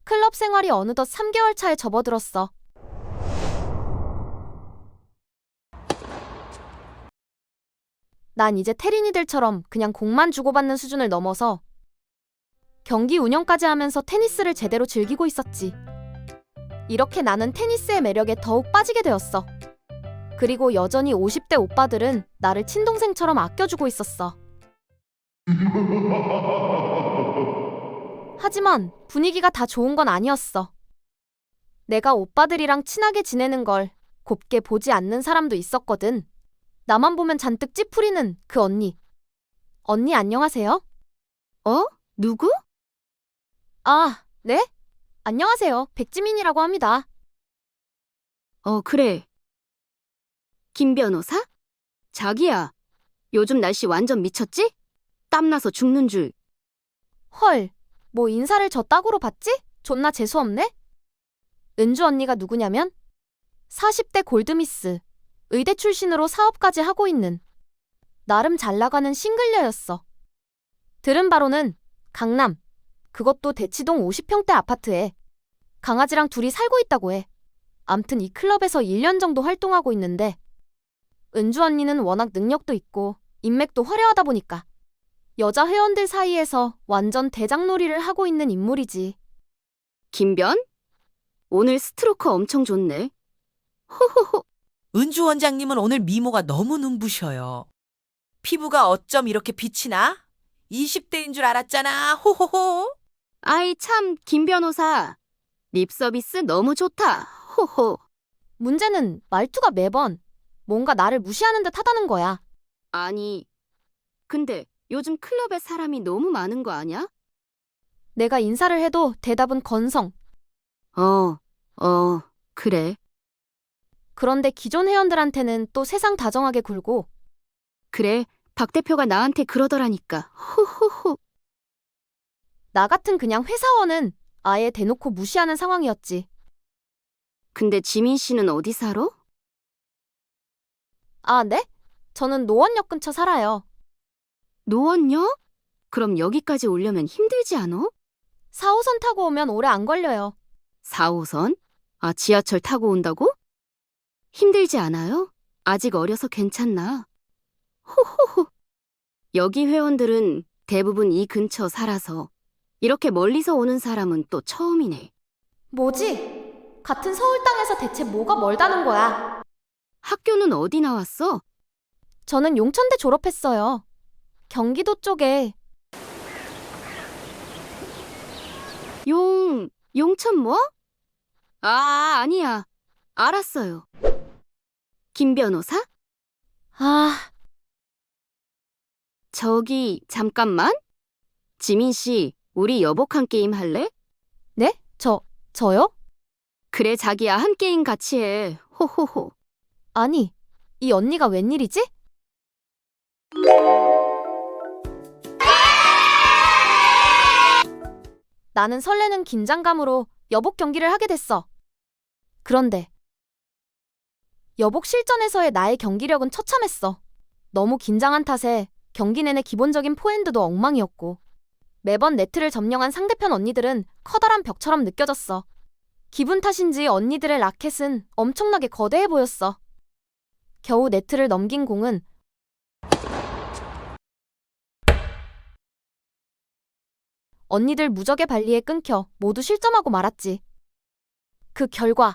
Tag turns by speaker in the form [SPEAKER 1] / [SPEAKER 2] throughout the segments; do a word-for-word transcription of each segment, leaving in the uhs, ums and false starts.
[SPEAKER 1] 클럽 생활이 어느덧 삼 개월 차에 접어들었어. 난 이제 테린이들처럼 그냥 공만 주고받는 수준을 넘어서 경기 운영까지 하면서 테니스를 제대로 즐기고 있었지. 이렇게 나는 테니스의 매력에 더욱 빠지게 되었어. 그리고 여전히 오십 대 오빠들은 나를 친동생처럼 아껴주고 있었어. 하지만 분위기가 다 좋은 건 아니었어. 내가 오빠들이랑 친하게 지내는 걸 곱게 보지 않는 사람도 있었거든. 나만 보면 잔뜩 찌푸리는 그 언니. 언니 안녕하세요?
[SPEAKER 2] 어? 누구?
[SPEAKER 1] 아, 네? 안녕하세요. 백지민이라고 합니다.
[SPEAKER 2] 어, 그래. 김 변호사? 자기야, 요즘 날씨 완전 미쳤지? 땀나서 죽는 줄.
[SPEAKER 1] 헐, 뭐 인사를 저 따구로 받지? 존나 재수없네? 은주 언니가 누구냐면 사십 대 골드미스, 의대 출신으로 사업까지 하고 있는 나름 잘 나가는 싱글녀였어. 들은 바로는 강남, 그것도 대치동 오십 평대 아파트에 강아지랑 둘이 살고 있다고 해. 암튼 이 클럽에서 일 년 정도 활동하고 있는데 은주 언니는 워낙 능력도 있고 인맥도 화려하다 보니까 여자 회원들 사이에서 완전 대장놀이를 하고 있는 인물이지.
[SPEAKER 2] 김변? 오늘 스트로크 엄청 좋네. 호호호.
[SPEAKER 3] 은주 원장님은 오늘 미모가 너무 눈부셔요. 피부가 어쩜 이렇게 빛이 나? 이십 대인 줄 알았잖아. 호호호.
[SPEAKER 2] 아이 참, 김 변호사. 립 서비스 너무 좋다. 호호.
[SPEAKER 1] 문제는 말투가 매번 뭔가 나를 무시하는 듯 하다는 거야.
[SPEAKER 2] 아니, 근데 요즘 클럽에 사람이 너무 많은 거 아냐?
[SPEAKER 1] 내가 인사를 해도 대답은 건성.
[SPEAKER 2] 어, 어, 그래.
[SPEAKER 1] 그런데 기존 회원들한테는 또 세상 다정하게 굴고
[SPEAKER 2] 그래, 박 대표가 나한테 그러더라니까. 호호호.
[SPEAKER 1] 나 같은 그냥 회사원은 아예 대놓고 무시하는 상황이었지.
[SPEAKER 2] 근데 지민 씨는 어디 살아?
[SPEAKER 1] 아, 네? 저는 노원역 근처 살아요.
[SPEAKER 2] 노원역? 그럼 여기까지 오려면 힘들지 않아?
[SPEAKER 1] 사 호선 타고 오면 오래 안 걸려요.
[SPEAKER 2] 사 호선? 아, 지하철 타고 온다고? 힘들지 않아요? 아직 어려서 괜찮나? 호호호. 여기 회원들은 대부분 이 근처 살아서 이렇게 멀리서 오는 사람은 또 처음이네.
[SPEAKER 1] 뭐지? 같은 서울 땅에서 대체 뭐가 멀다는 거야?
[SPEAKER 2] 학교는 어디 나왔어?
[SPEAKER 1] 저는 용천대 졸업했어요. 경기도 쪽에.
[SPEAKER 2] 용, 용천 뭐? 아, 아니야. 알았어요. 김 변호사?
[SPEAKER 1] 아,
[SPEAKER 2] 저기, 잠깐만. 지민 씨, 우리 여복한 게임 할래?
[SPEAKER 1] 네? 저, 저요?
[SPEAKER 2] 그래, 자기야, 한 게임 같이 해. 호호호.
[SPEAKER 1] 아니, 이 언니가 웬일이지? 나는 설레는 긴장감으로 여복 경기를 하게 됐어. 그런데 여복 실전에서의 나의 경기력은 처참했어. 너무 긴장한 탓에 경기 내내 기본적인 포핸드도 엉망이었고 매번 네트를 점령한 상대편 언니들은 커다란 벽처럼 느껴졌어. 기분 탓인지 언니들의 라켓은 엄청나게 거대해 보였어. 겨우 네트를 넘긴 공은 언니들 무적의 발리에 끊겨 모두 실점하고 말았지. 그 결과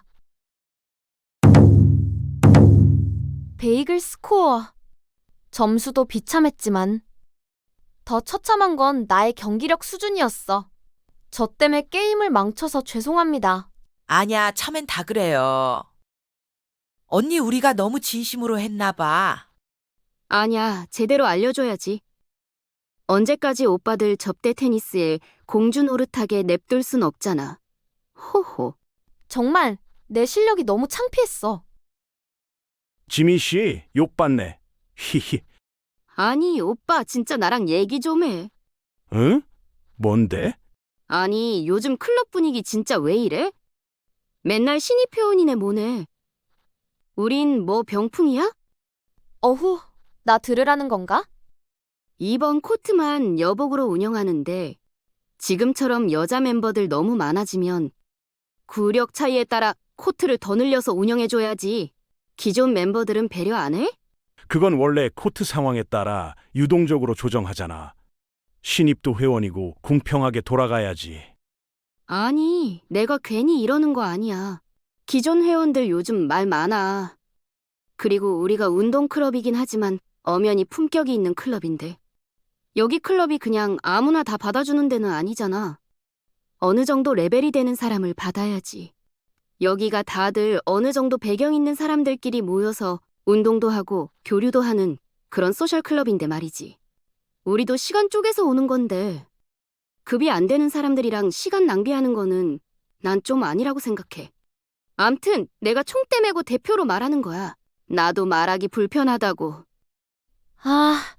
[SPEAKER 1] 베이글 스코어. 점수도 비참했지만 더 처참한 건 나의 경기력 수준이었어. 저 때문에 게임을 망쳐서 죄송합니다.
[SPEAKER 3] 아냐, 처음엔 다 그래요. 언니 우리가 너무 진심으로 했나 봐.
[SPEAKER 2] 아냐, 제대로 알려줘야지. 언제까지 오빠들 접대 테니스에 공주 노릇하게 냅둘 순 없잖아. 호호.
[SPEAKER 1] 정말 내 실력이 너무 창피했어.
[SPEAKER 4] 지민 씨, 욕받네. 히히.
[SPEAKER 2] 아니, 오빠 진짜 나랑 얘기 좀 해.
[SPEAKER 4] 응? 뭔데?
[SPEAKER 2] 아니, 요즘 클럽 분위기 진짜 왜 이래? 맨날 신입 회원이네 뭐네. 우린 뭐 병풍이야?
[SPEAKER 1] 어후, 나 들으라는 건가?
[SPEAKER 2] 이번 코트만 여복으로 운영하는데 지금처럼 여자 멤버들 너무 많아지면 구력 차이에 따라 코트를 더 늘려서 운영해줘야지. 기존 멤버들은 배려 안 해?
[SPEAKER 4] 그건 원래 코트 상황에 따라 유동적으로 조정하잖아. 신입도 회원이고 공평하게 돌아가야지.
[SPEAKER 2] 아니, 내가 괜히 이러는 거 아니야. 기존 회원들 요즘 말 많아. 그리고 우리가 운동클럽이긴 하지만 엄연히 품격이 있는 클럽인데. 여기 클럽이 그냥 아무나 다 받아주는 데는 아니잖아. 어느 정도 레벨이 되는 사람을 받아야지. 여기가 다들 어느 정도 배경 있는 사람들끼리 모여서 운동도 하고 교류도 하는 그런 소셜 클럽인데 말이지. 우리도 시간 쪼개서 오는 건데 급이 안 되는 사람들이랑 시간 낭비하는 거는 난 좀 아니라고 생각해. 암튼 내가 총대 메고 대표로 말하는 거야. 나도 말하기 불편하다고.
[SPEAKER 1] 아,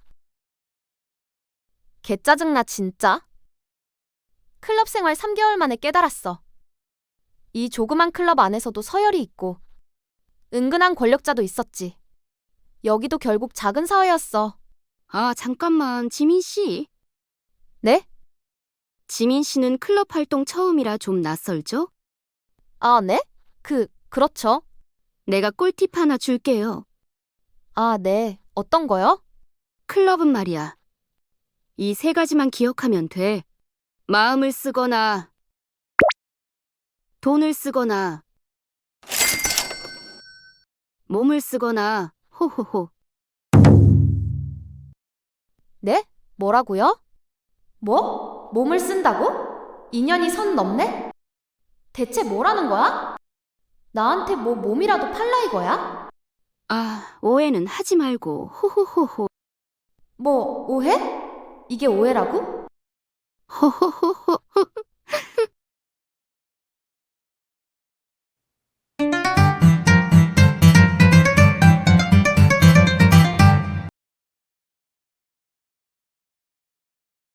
[SPEAKER 1] 개 짜증나 진짜. 클럽 생활 삼 개월 만에 깨달았어. 이 조그만 클럽 안에서도 서열이 있고 은근한 권력자도 있었지. 여기도 결국 작은 사회였어.
[SPEAKER 2] 아, 잠깐만, 지민 씨.
[SPEAKER 1] 네?
[SPEAKER 2] 지민 씨는 클럽 활동 처음이라 좀 낯설죠?
[SPEAKER 1] 아, 네? 그, 그렇죠.
[SPEAKER 2] 내가 꿀팁 하나 줄게요.
[SPEAKER 1] 아, 네. 어떤 거요?
[SPEAKER 2] 클럽은 말이야. 이 세 가지만 기억하면 돼. 마음을 쓰거나, 돈을 쓰거나, 몸을 쓰거나, 호호호.
[SPEAKER 1] 네? 뭐라고요? 뭐? 몸을 쓴다고? 인연이 선 넘네? 대체 뭐라는 거야? 나한테 뭐 몸이라도 팔라 이거야?
[SPEAKER 2] 아, 오해는 하지 말고, 호호호호.
[SPEAKER 1] 뭐, 오해? 이게 오해라고?
[SPEAKER 2] 호호호호.